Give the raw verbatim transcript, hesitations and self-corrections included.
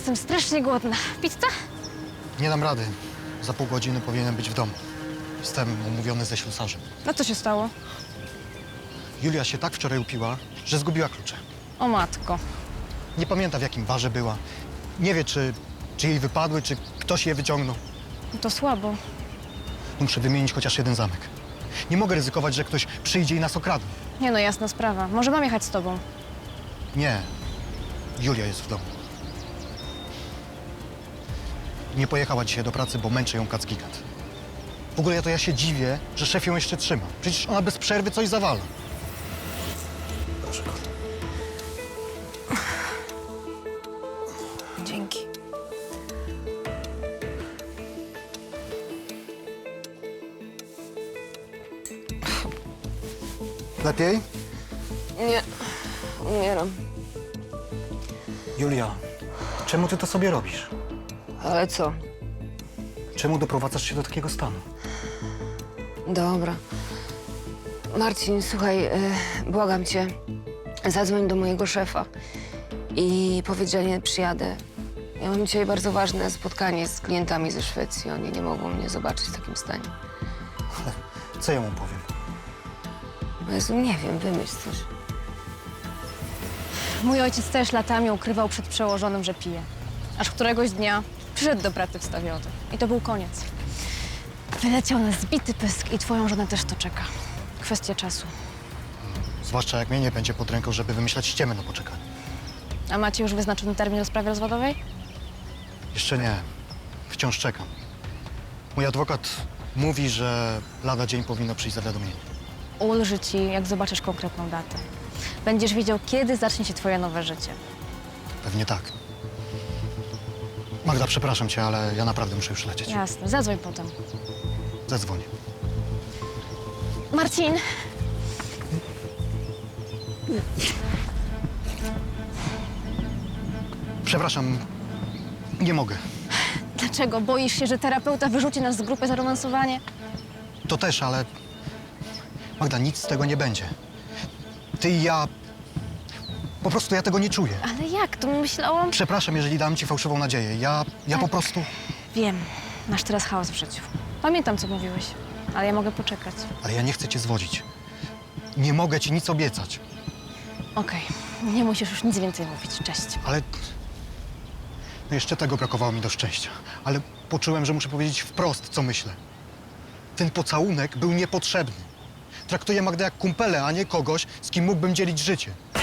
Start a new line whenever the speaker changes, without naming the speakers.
Jestem strasznie głodna. Pizza?
Nie dam rady. Za pół godziny powinienem być w domu. Jestem umówiony ze ślusarzem.
No co się stało?
Julia się tak wczoraj upiła, że zgubiła klucze.
O matko.
Nie pamięta, w jakim barze była. Nie wie, czy, czy jej wypadły, czy ktoś je wyciągnął.
No to słabo.
Muszę wymienić chociaż jeden zamek. Nie mogę ryzykować, że ktoś przyjdzie i nas okradnie.
Nie no, jasna sprawa. Może mam jechać z tobą.
Nie. Julia jest w domu. Nie pojechała dzisiaj do pracy, bo męczy ją kac gigant. W ogóle ja to ja się dziwię, że szef ją jeszcze trzyma. Przecież ona bez przerwy coś zawala. Proszę.
Dzięki.
Lepiej?
Nie, umieram.
Julia, czemu ty to sobie robisz?
Ale co?
Czemu doprowadzasz się do takiego stanu?
Dobra. Marcin, słuchaj, e, błagam cię, zadzwoń do mojego szefa i powiedz, że nie przyjadę. Ja mam dzisiaj bardzo ważne spotkanie z klientami ze Szwecji. Oni nie mogą mnie zobaczyć w takim stanie.
Ale co ja mu powiem?
No Jezu, nie wiem, wymyśl coś.
Mój ojciec też latami ukrywał przed przełożonym, że pije. Aż któregoś dnia przyszedł do pracy wstawiony. I to był koniec. Wyleciał na zbity pysk i twoją żonę też to czeka. Kwestia czasu.
Zwłaszcza jak mnie nie będzie pod ręką, żeby wymyślać ściemy na poczekanie.
A macie już wyznaczony termin o sprawie rozwodowej?
Jeszcze nie. Wciąż czekam. Mój adwokat mówi, że lada dzień powinno przyjść zawiadomienie.
Ulży ci, jak zobaczysz konkretną datę. Będziesz wiedział, kiedy zacznie się twoje nowe życie.
Pewnie tak. Magda, przepraszam cię, ale ja naprawdę muszę już lecieć.
Jasne, zadzwoń potem.
Zadzwonię.
Marcin!
Przepraszam, nie mogę.
Dlaczego? Boisz się, że terapeuta wyrzuci nas z grupy za romansowanie?
To też, ale... Magda, nic z tego nie będzie. Ty i ja... Po prostu ja tego nie czuję.
Ale jak? To myślałam...
Przepraszam, jeżeli dam ci fałszywą nadzieję. Ja, ja po
Tak.
prostu...
Wiem, masz teraz chaos w życiu. Pamiętam, co mówiłeś, ale ja mogę poczekać.
Ale ja nie chcę cię zwodzić. Nie mogę ci nic obiecać.
Okej, nie musisz już nic więcej mówić. Cześć.
Ale... No jeszcze tego brakowało mi do szczęścia. Ale poczułem, że muszę powiedzieć wprost, co myślę. Ten pocałunek był niepotrzebny. Traktuję Magdę jak kumpelę, a nie kogoś, z kim mógłbym dzielić życie.